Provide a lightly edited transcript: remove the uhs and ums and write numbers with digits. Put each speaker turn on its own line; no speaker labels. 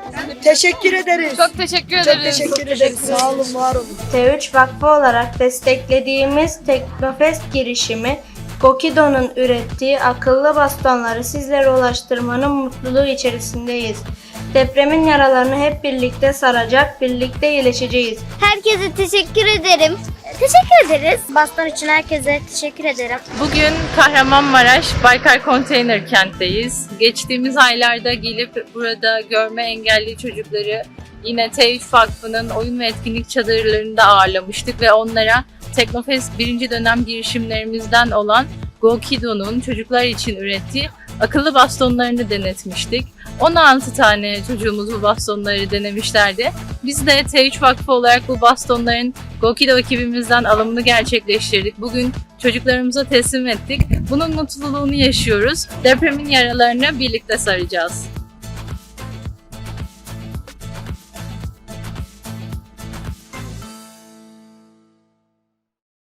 Teşekkür ederiz.
Çok teşekkür
Çok
ederiz.
teşekkür ederiz. Sağ olun, var olun.
T3 Vakfı olarak desteklediğimiz Teknofest girişimi, Gokido'nun ürettiği akıllı bastonları sizlere ulaştırmanın mutluluğu içerisindeyiz. Depremin yaralarını hep birlikte saracak, birlikte iyileşeceğiz.
Herkese teşekkür ederim. Teşekkür ederiz. Baston için herkese teşekkür ederim.
Bugün Kahramanmaraş Baykar Konteyner Kent'teyiz. Geçtiğimiz aylarda gelip burada görme engelli çocukları yine T3 Vakfı'nın oyun ve etkinlik çadırlarında ağırlamıştık ve onlara Teknofest 1. dönem girişimlerimizden olan Gokido'nun çocuklar için ürettiği akıllı bastonlarını denetmiştik. 16 tane çocuğumuz bu bastonları denemişlerdi. Biz de T3 Vakfı olarak bu bastonların Gokido ekibimizden alımını gerçekleştirdik. Bugün çocuklarımıza teslim ettik. Bunun mutluluğunu yaşıyoruz. Depremin yaralarını birlikte saracağız.